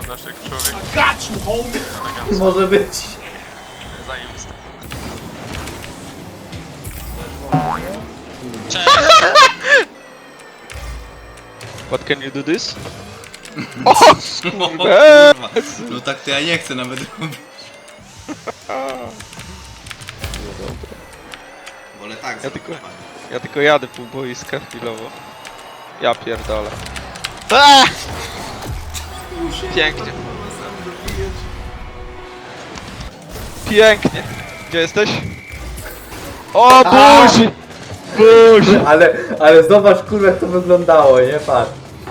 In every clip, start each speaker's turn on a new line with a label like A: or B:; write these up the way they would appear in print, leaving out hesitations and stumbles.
A: naszych człowiek.
B: Może być.
A: Zajebisty.
C: What can you do this?
D: O kurwa. No tak to ja nie chcę nawet robić. Wolę tak zrobić.
C: Ja tylko jadę pół boiska chwilowo. Ja pierdolę. Aaaa! Pięknie. Pięknie. Gdzie jesteś? O, buzi! Buzi!
B: Ale zobacz kurwa jak to wyglądało, nie? Patrz.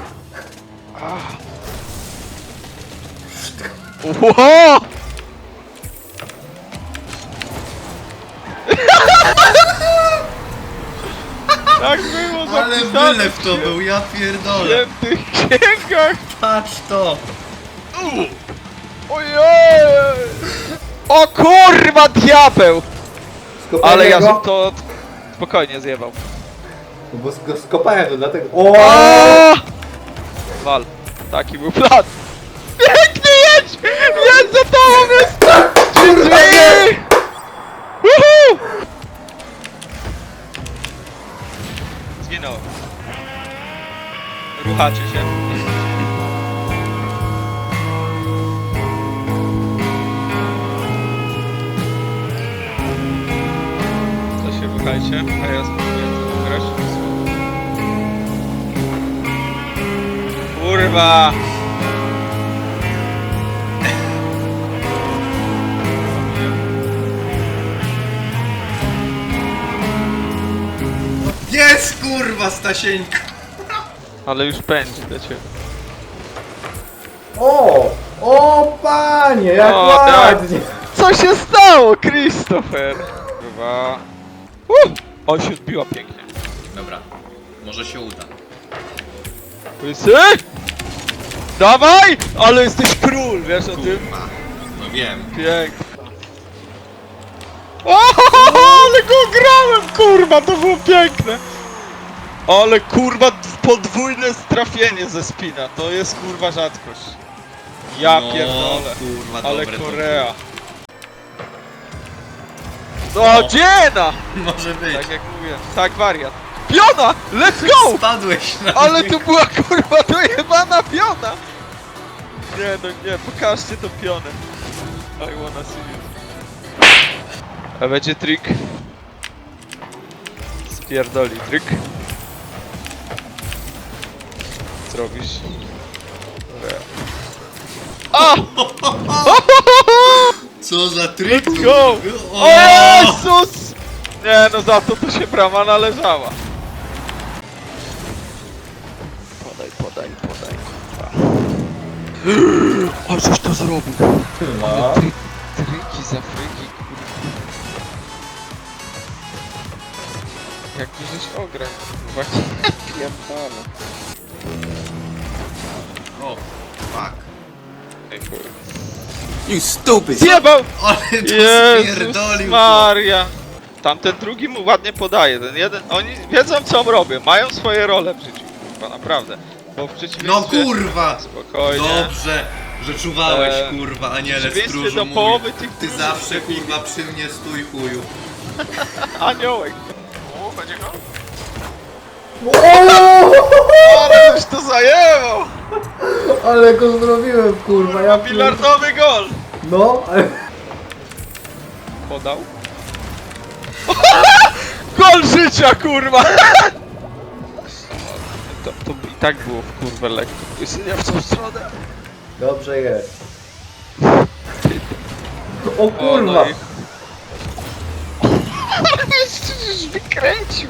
C: Ło! Tak było
D: Ale
C: zapisane
D: wylew to był, ja
C: w
D: pierdolę.
C: świętych księgach!
D: Patrz to.
C: Ojej! O kurwa, diabeł!
B: Skopałem
C: Ale ja
B: go,
C: żem to spokojnie zjebał.
B: Bo go skopałem to dlatego... O!
C: O! Wal. Taki był plan. Pięknie jedź! Jedź za tobą jest! Drzwi! Woohoo! Zginąłem. Ruchacie się. To się ruchajcie, a ja spróbuję to grać. Kurwa!
D: Jest kurwa Stasieńka.
C: Ale już pędzi do ciebie.
B: O! O panie, jak
C: O,
B: ładnie!
C: Co się stało, Christopher? Kurwa. O, się odbiła pięknie.
D: Dobra, może się uda.
C: Łysy? Dawaj! Ale jesteś król, wiesz o tym?
D: Kurwa. No wiem.
C: Pięknie. O, ale go grałem, kurwa, to było piękne. Ale kurwa, podwójne trafienie ze spina, to jest kurwa rzadkość. Ja
D: No,
C: pierdolę.
D: kurwa,
C: Ale
D: dobre to
C: Korea. No, dziena!
D: Może być.
C: Tak jak mówię, tak wariat. Piona! Let's go!
D: Spadłeś na
C: Ale
D: mnie.
C: tu była kurwa dojebana piona! Nie no nie, pokażcie tą pionę. I wanna see it. A będzie trik. Spierdoli trik. Zrobisz. A!
D: Co za trik?
C: Let's go! O Jezus! Nie no za to się brama należała. Podaj, podaj, podaj. O, coś to zrobił.
B: No.
C: Triki z Afryki, kurwa. Jak ty żeś ograł, kurwa. Pierdolę.
D: O, fuck.
C: Ej, kurwa.
D: You stupid!
C: Zjebał!
D: Ale to
C: Jezus
D: spierdolił.
C: Maria! Tamten drugi mu ładnie podaje, ten jeden, oni wiedzą co robią, mają swoje role w życiu, kurwa, naprawdę. Bo w
D: No
C: przeciwieństwie...
D: kurwa!
C: Spokojnie.
D: Dobrze, że czuwałeś kurwa,
C: W
D: aniele
C: przeciwieństwie
D: stróżu
C: do
D: mój.
C: połowy tych
D: Ty
C: drugich
D: zawsze
C: debili.
D: kurwa przy mnie stój chuju.
C: Aniołek.
A: O, będzie go?
C: Ale już to zajęło!
B: Ale go zrobiłem kurwa, ja
C: Bilardowy gol!
B: No, ale...
C: Podał. Gol życia, kurwa! To i tak było w kurwę lekko. Nie w tą stronę.
B: Dobrze jest. O
C: O,
B: kurwa!
C: no i... Już wykręcił.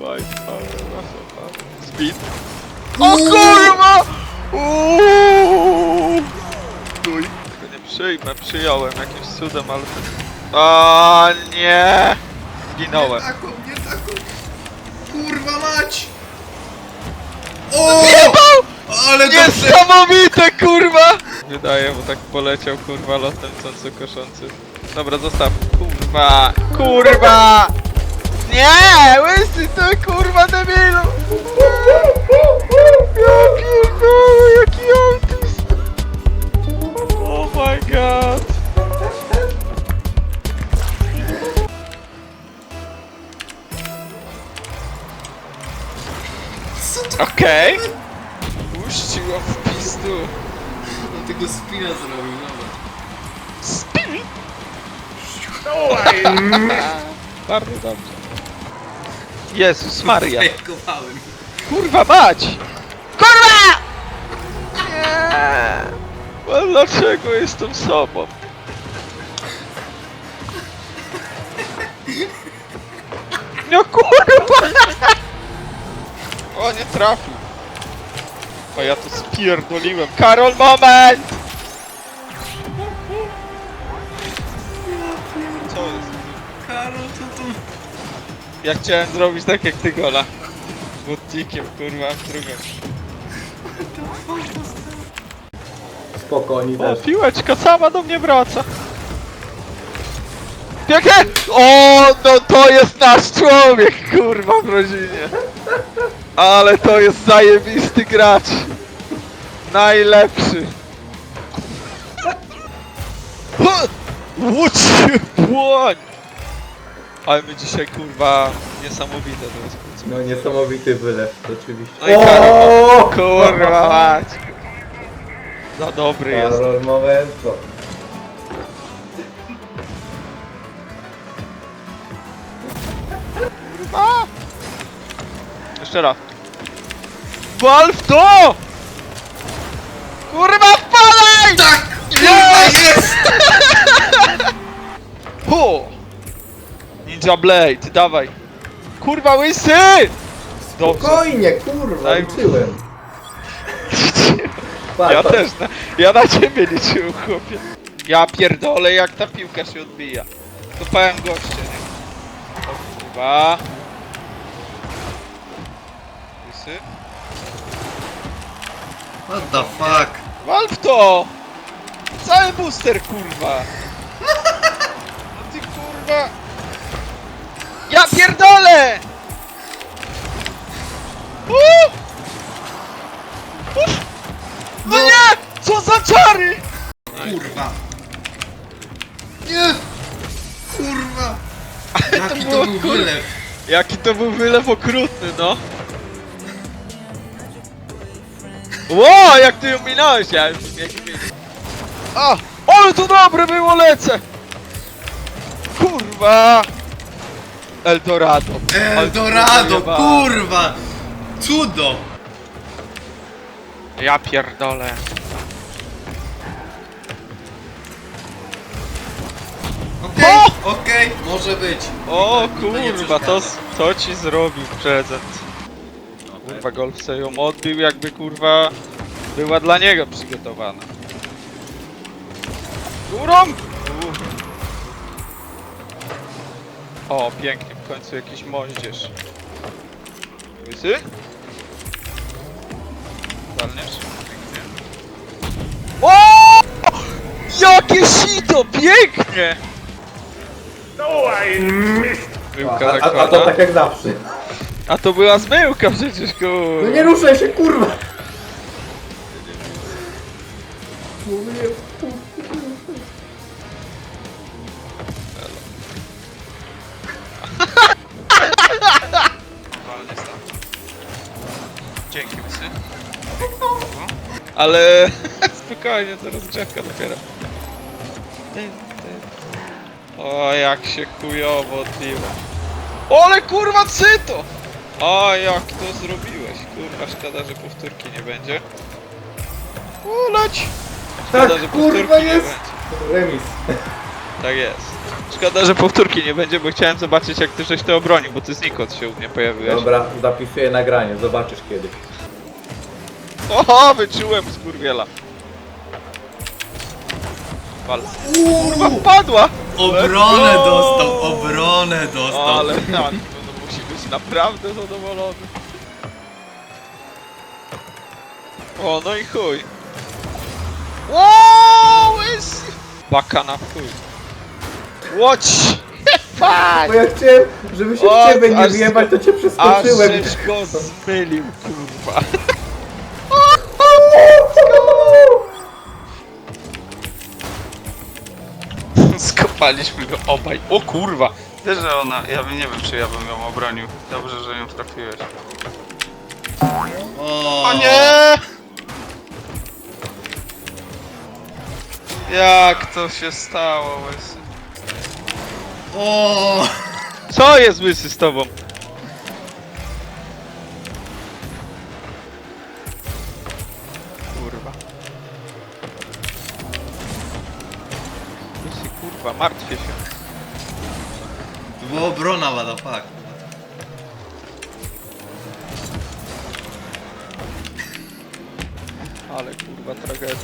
C: Speed. O kurwa! Stój. Tego nie przyjmę, przyjąłem jakimś cudem, ale... O nie! Zginąłem.
D: Nie taką. Kurwa mać! O! Ale dobrze!
C: Niesamowite, kurwa! Wydaje, bo tak poleciał, kurwa, lotem co koszący. Dobra, zostaw. Kurwa! Kurwa! Nie! Łysy to kurwa debilu! Ja pierdolę, jaki autist! Okej. Puściło w pizdu.
D: On tego spina zrobił, zobacz.
C: Spin! Bardzo dobrze. Jezus Maria.
D: Fejkowałem.
C: Kurwa mać! Kurwa! Nie! No dlaczego jestem sobą? No kurwa! O, nie trafił. O, ja to spierdoliłem. Karol, moment! Co jest?
D: Karol, co tu?
C: Ja chciałem zrobić tak jak ty, Gola. Z butnikiem, kurwa, w drugą.
B: Spoko, oni
C: O,
B: też.
C: piłeczka sama do mnie wraca. Pięknie! O, no to jest nasz człowiek, kurwa, w rodzinie. Ale to jest zajebisty gracz. Najlepszy. Łódź się błoń! Ale my dzisiaj, kurwa, niesamowite to jest.
B: No niesamowity wylew, oczywiście.
C: No i Karol, kurwa mać. Za dobry jest.
B: Karol, momento.
C: Kurwa! Jeszcze raz. Wal w to! Kurwa, wpalaj!
D: Tak!
C: Jest! Hu! Ninja Blade, dawaj. Kurwa, łysy! Dobrze.
B: Spokojnie, kurwa,
C: Daj-
B: liczyłem. Patrz,
C: Ja
B: patrz.
C: też, ja na ciebie liczyłem, chłopie. Ja pierdolę, jak ta piłka się odbija. Kopałem goście, nie? O kurwa. Łysy?
D: What the fuck?
C: Wal w to! Cały booster, kurwa! No ty kurwa! Ja pierdolę! No nie! Co za czary!
D: Kurwa. Nie! Kurwa! Jaki
C: było,
D: to był
C: kurwa.
D: wylew?
C: Jaki to był wylew okrutny, no! Ło, jak ty ją minąłeś, ja już nie wiem. A! Ale to dobre było, lecę! Kurwa! Eldorado.
D: Eldorado,
C: Ale to
D: kurwa! Cudo!
C: Ja pierdolę.
D: Okej, okej, może być.
C: O
D: Mi to nie
C: kurwa,
D: przeszkadza.
C: to ci zrobił prezent. Kurwa, golf sobie ją odbił, jakby kurwa była dla niego przygotowana. Górą! O, pięknie, w końcu jakiś moździerz. Łysy? Walniesz? Pięknie. O! Jakie sito! Pięknie! Byłka
B: A to
C: zakłada.
B: tak jak zawsze.
C: A to była zmyłka przecież,
B: No
C: kurwa.
B: nie ruszaj się, kurwa! Mówię,
C: Dzięki, łysy. Ale spokojnie, to rozgrzewka dopiero. O, jak się chujowo odbiło. Ole kurwa, cyto! O, jak to zrobiłeś? Kurwa, szkoda, że powtórki nie będzie. Uleć! Szkoda,
B: Tak,
C: że
B: kurwa,
C: powtórki nie
B: jest!
C: będzie.
B: Remis.
C: Tak jest. Szkoda, że powtórki nie będzie, bo chciałem zobaczyć, jak ty żeś to obronił, bo ty znikąd się u mnie pojawiłeś.
B: Dobra, zapisuję nagranie, zobaczysz kiedyś.
C: Oho, wyczułem skurwiela. Wal. Kurwa, wpadła!
D: Obronę
C: Let's go!
D: dostał, obronę dostał.
C: Ale tak, no musi być naprawdę zadowolony. O, no i chuj. Wow, łysy! Baka na chuj. Watch!
B: Bo ja chciałem, żeby się
C: O,
B: w ciebie nie
C: aż-
B: wjebać, to cię
C: Aż
B: przeskoczyłem.
C: żeś go zmylił, kurwa. Skopaliśmy go obaj. O kurwa!
A: Wiesz, że ona, ja bym nie wiem, czy ja bym ją obronił. Dobrze, że ją trafiłeś.
D: O
C: O nie! Jak to się stało, łysy?
D: O!
C: Co jest łysy z tobą? Kurwa. Łysy, kurwa, martwię się.
D: To była obrona, what the fuck.
C: Ale kurwa tragedia.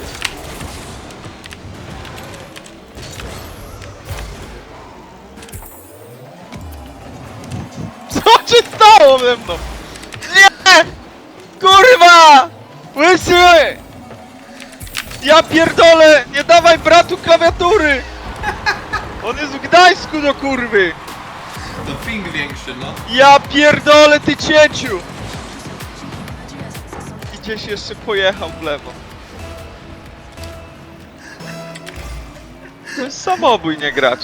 C: Co się stało ze mną? Nie! Kurwa! Łysy! Ja pierdolę! Nie dawaj bratu klawiatury! On jest w Gdańsku do kurwy!
D: To ping większy, no.
C: Ja pierdolę ty cieciu! I gdzieś jeszcze pojechał w lewo. To jest samobój, nie gracz.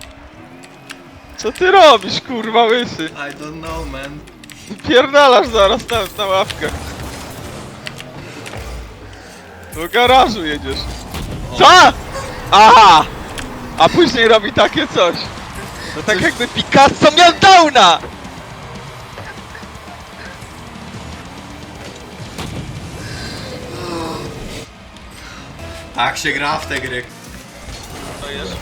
C: Co ty robisz, kurwa łysy?
D: I don't know, man.
C: Pierdalasz zaraz na ławkę. Do garażu jedziesz. Co? Aha! A później robi takie coś. To tak jakby Picasso miał downa!
D: Tak się gra w te gry.
C: To jest.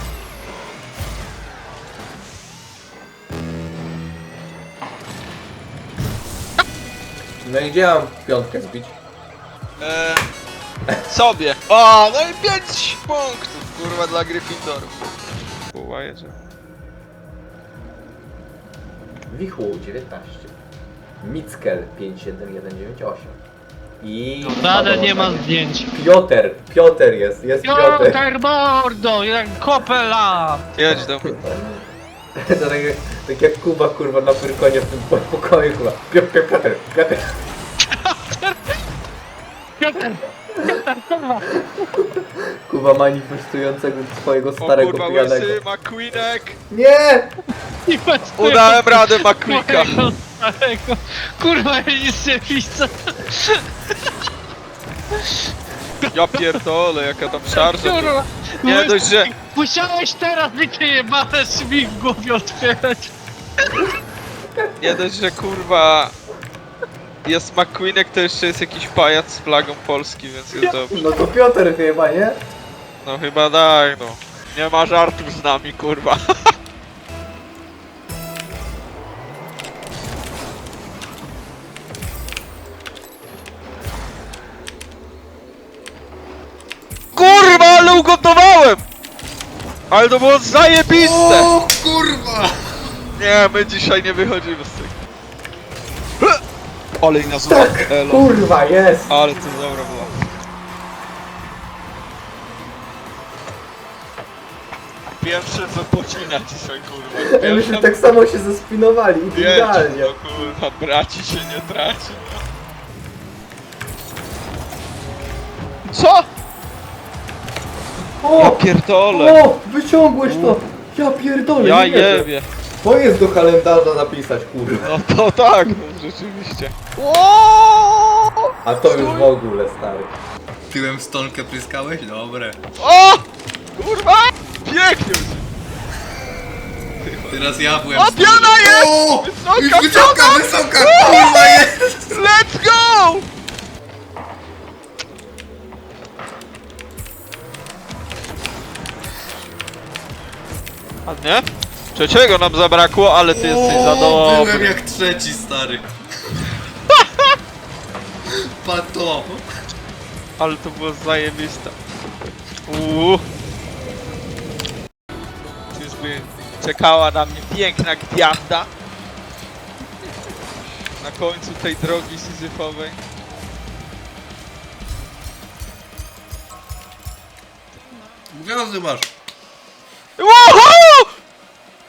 B: No i gdzie mam piątkę zbić?
C: Sobie. O, no i 5 punktów, kurwa, dla Gryffindorów. Kurwa, jedzie.
B: Wichło 19. Mickel 57198. I...
E: Nadal nie ma zdjęć.
B: Piotr jest Piotr.
E: Piotr Mordo, jak kopela!
C: Jedź do mnie.
B: To tak jak Kuba kurwa na Pyrkonie w tym pokoju kurwa. Piotr.
E: Piotr! Kurwa!
B: Kuba manifestującego swojego
C: O
B: starego
C: kurwa,
B: pijanego.
C: łysy, McQueenek.
B: Nie!
E: Nie ma
C: Udałem radę McQueenka.
E: swojego starego. Kurwa, ja nic nie widzę.
C: Ja pierdolę, jaka tam szarża.
E: Kurwa!
C: Nie dość, że...
E: Musiałeś teraz mi te jebane drzwi w głowie otwierać.
C: Nie dość, że kurwa... Jest McQueenek, to jeszcze jest jakiś pajac z flagą Polski, więc jest dobrze.
B: No to Piotr chyba, nie?
C: No chyba tak, no. Nie ma żartów z nami, kurwa. Kurwa, ale ugotowałem! Ale to było zajebiste!
D: O kurwa!
C: Nie, my dzisiaj nie wychodzimy z tego. Ale na zło, elo.
B: Kurwa, jest!
C: Ale to dobra była. Pierwsze co pocina dzisiaj, kurwa.
B: Ja myślę, tak samo się zespinowali, idealnie.
C: No kurwa, braci się nie traci. Co? Ja
B: O!
C: pierdolę.
B: O! Wyciągłeś to! Ja pierdolę,
C: Ja
B: nie wierzę.
C: jebie.
B: To jest do kalendarza napisać, kurwa.
C: No to tak, no rzeczywiście.
B: A to już w ogóle, stary.
D: Tyłem w stonkę pryskałeś? Dobre.
C: O! Kurwa! Pięknie!
D: Teraz ja byłem...
C: O, piana jest!
D: O!
C: Wysoka
D: Już wysoka,
C: piana!
D: wysoka! Kurwa jest!
C: Let's go! Ładnie? Trzeciego nam zabrakło, ale ty jesteś za
D: Byłem
C: dobry.
D: jak trzeci, stary. Pato.
C: Ale to było zajebiste. Czyżby czekała na mnie piękna gwiazda na końcu tej drogi syzyfowej.
D: Gwiazdy masz.
C: Ło!